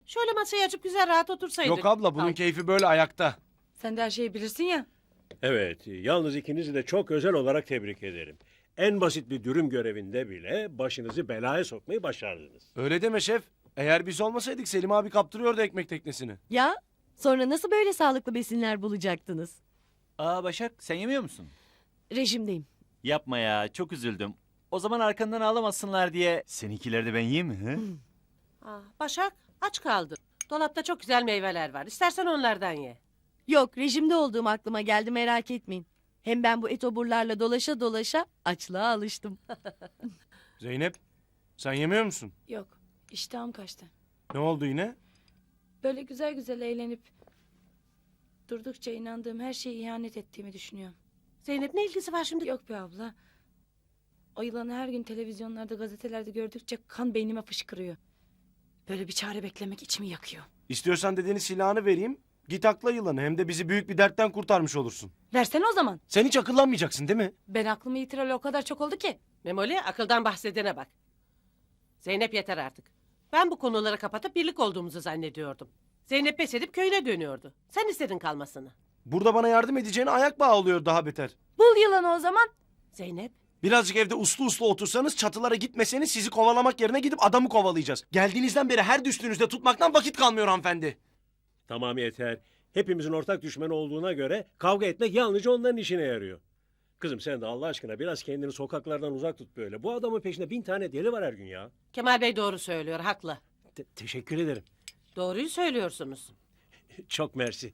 Şöyle masayı açıp güzel rahat otursaydık. Yok abla bunun Ay. keyfi böyle ayakta. Sen de her şeyi bilirsin ya. Evet, yalnız ikinizi de çok özel olarak tebrik ederim. En basit bir dürüm görevinde bile başınızı belaya sokmayı başardınız. Öyle deme şef. Eğer biz olmasaydık Selim abi kaptırıyordu ekmek teknesini. Ya sonra nasıl böyle sağlıklı besinler bulacaktınız? Aa Başak sen yemiyor musun? Rejimdeyim. Yapma ya çok üzüldüm. O zaman arkandan ağlamasınlar diye seninkileri de ben yiyeyim mi? He? Başak aç kaldın. Dolapta çok güzel meyveler var. İstersen onlardan ye. Yok rejimde olduğum aklıma geldi merak etmeyin. Hem ben bu etoburlarla dolaşa dolaşa açlığa alıştım. Zeynep sen yemiyor musun? Yok, iştahım kaçtı. Ne oldu yine? Böyle güzel güzel eğlenip durdukça inandığım her şeye ihanet ettiğimi düşünüyorum. Zeynep ne ilgisi var şimdi? Yok be abla. O yılanı her gün televizyonlarda, gazetelerde gördükçe kan beynime fışkırıyor. Böyle bir çare beklemek içimi yakıyor. İstiyorsan dediğini silahını vereyim. Git akla yılanı hem de bizi büyük bir dertten kurtarmış olursun. Versene o zaman. Sen hiç akıllanmayacaksın değil mi? Ben aklımı yitiralı o kadar çok oldu ki. Memoli akıldan bahsedene bak. Zeynep yeter artık. Ben bu konuları kapatıp birlik olduğumuzu zannediyordum. Zeynep pes edip köyüne dönüyordu. Sen istedin kalmasını. Burada bana yardım edeceğine ayak bağı oluyor daha beter. Bul yılanı o zaman. Zeynep Birazcık evde uslu uslu otursanız çatılara gitmeseniz sizi kovalamak yerine gidip adamı kovalayacağız. Geldiğinizden beri her düştüğünüzde tutmaktan vakit kalmıyor hanımefendi. Tamam yeter. Hepimizin ortak düşmanı olduğuna göre kavga etmek yalnızca onların işine yarıyor. Kızım sen de Allah aşkına biraz kendini sokaklardan uzak tut böyle. Bu adamın peşinde 1000 tane deli var her gün ya. Kemal Bey doğru söylüyor haklı. Teşekkür ederim. Doğruyu söylüyorsunuz. Çok mersi.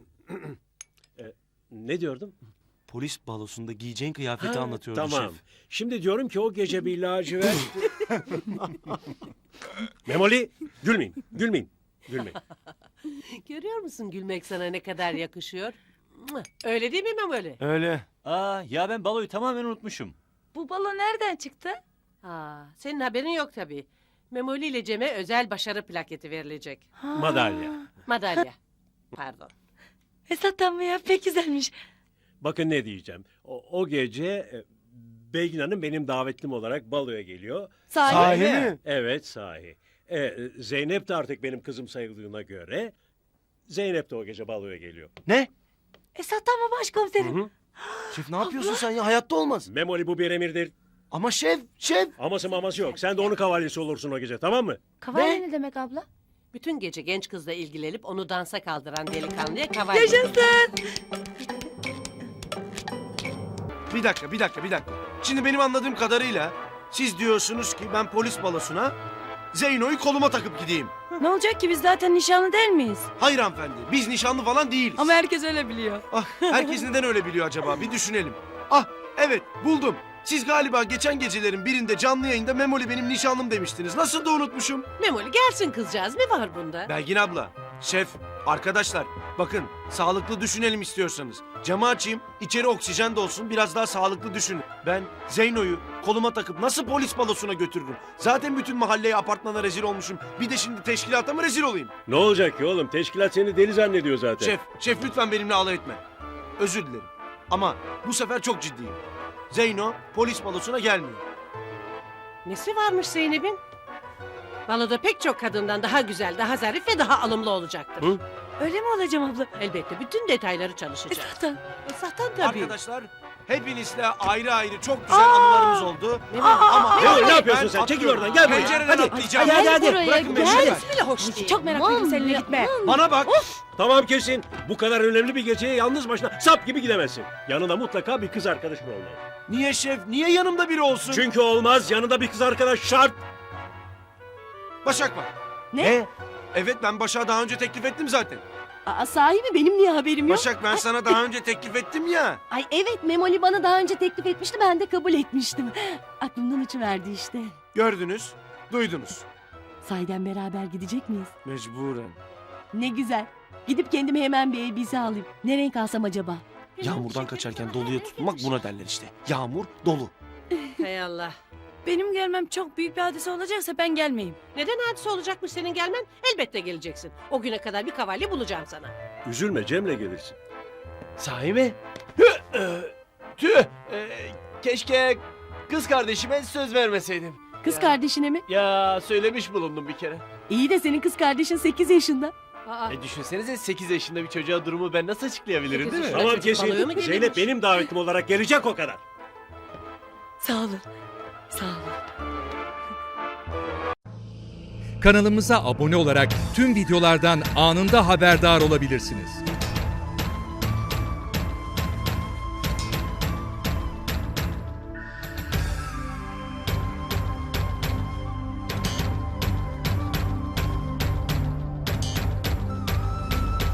Ne diyordum? Polis balosunda giyeceğin kıyafeti Ha, anlatıyordu tamam. şef. Şimdi diyorum ki o gece bir lacivert... Memoli gülmeyin, gülmeyin, gülmeyin. Görüyor musun gülmek sana ne kadar yakışıyor? Öyle değil mi Memoli? Öyle. Aa ya ben baloyu tamamen unutmuşum. Bu balo nereden çıktı? Senin haberin yok tabii. Memoli ile Cem'e özel başarı plaketi verilecek. Madalya. Madalya. Pardon. Esat'tan mı ya? Pek güzelmiş. Bakın ne diyeceğim. O gece Belgin Hanım benim davetlim olarak baloya geliyor. Sahi mi? Evet sahi. Zeynep de artık benim kızım sayıldığına göre Zeynep de o gece baloya geliyor. Ne? Esat'tan mı başkomiserim? Hı? Şef ne yapıyorsun sen ya? Hayatta olmaz. Memoli bu bir emirdir. Ama şef. Aması maması yok. Sen de onun kavalyesi olursun o gece, tamam mı? Kavalye ne demek abla? Bütün gece genç kızla ilgilenip onu dansa kaldıran delikanlıya kavalye. Yaşasın. Bir dakika. Şimdi benim anladığım kadarıyla siz diyorsunuz ki ben polis balosuna Zeyno'yu koluma takıp gideyim. Ne olacak ki biz zaten nişanlı değil miyiz? Hayır hanımefendi biz nişanlı falan değiliz. Ama herkes öyle biliyor. Ah, herkes neden öyle biliyor acaba? Bir düşünelim. Ah evet buldum. Siz galiba geçen gecelerin birinde canlı yayında Memoli benim nişanlım demiştiniz. Nasıl da unutmuşum. Memoli gelsin kızcağız ne var bunda? Belgin abla, şef, arkadaşlar bakın sağlıklı düşünelim istiyorsanız. Camı açayım, içeri oksijen de olsun biraz daha sağlıklı düşünün. Ben Zeyno'yu koluma takıp nasıl polis balosuna götürürüm? Zaten bütün mahalleye apartmana rezil olmuşum. Bir de şimdi teşkilata mı rezil olayım? Ne olacak ki oğlum? Teşkilat seni deli zannediyor zaten. Şef lütfen benimle alay etme. Özür dilerim. Ama bu sefer çok ciddiyim. Zeyno polis balosuna gelmiyor. Nesi varmış Zeynep'in? Baloda pek çok kadından daha güzel, daha zarif ve daha alımlı olacaktır. Hı? Öyle mi olacağım abla? Elbette bütün detayları çalışacak. Esat'tan. Esat'tan tabii. Arkadaşlar hepinizle ayrı ayrı çok güzel anılarımız oldu. Ama Memoli, ne ben yapıyorsun sen? Çekil atlıyorum. oradan, gel buraya. Pencereden Hadi. atlayacağım. Hadi. buraya, Bırakın beni gel. lütfen. Hiç bile hoş değil. Çok meraklıyım seninle gitme. Bana bak. Tamam kesin. Bu kadar önemli bir geceye yalnız başına sap gibi gidemezsin. Yanında mutlaka bir kız arkadaşın olmalı. Niye şef? Niye yanımda biri olsun? Çünkü olmaz. Yanında bir kız arkadaş şart. Başak var. Ne? Evet ben Başak'a daha önce teklif ettim zaten. Aa, sahi mi benim niye haberim yok? Başak ben sana daha önce teklif ettim ya. Ay evet Memoli bana daha önce teklif etmişti ben de kabul etmiştim. Aklımdan uçuverdi işte. Gördünüz, duydunuz. Sahiden beraber gidecek miyiz? Mecburen. Ne güzel. Gidip kendime hemen bir elbise alayım. Ne renk alsam acaba? Yağmurdan kaçarken doluya tutulmak buna derler işte. Yağmur, dolu. Hay Allah. Benim gelmem çok büyük bir hadise olacaksa ben gelmeyeyim. Neden hadise olacakmış senin gelmen? Elbette geleceksin. O güne kadar bir kavalye bulacağım sana. Üzülme, Cem'le gelirsin. Sahi mi? Tüh! Keşke kız kardeşime söz vermeseydim. Kız kardeşine mi? Ya söylemiş bulundum bir kere. İyi de senin kız kardeşin 8 yaşında. Aa, Düşünsenize 8 yaşında bir çocuğa durumu ben nasıl açıklayabilirim değil mi? Sekiz Tamam Çocuk balığı mı kesin. gelirmiş? Zeynep benim davetim olarak gelecek o kadar. Sağ olun. Sağ olun. Kanalımıza abone olarak tüm videolardan anında haberdar olabilirsiniz.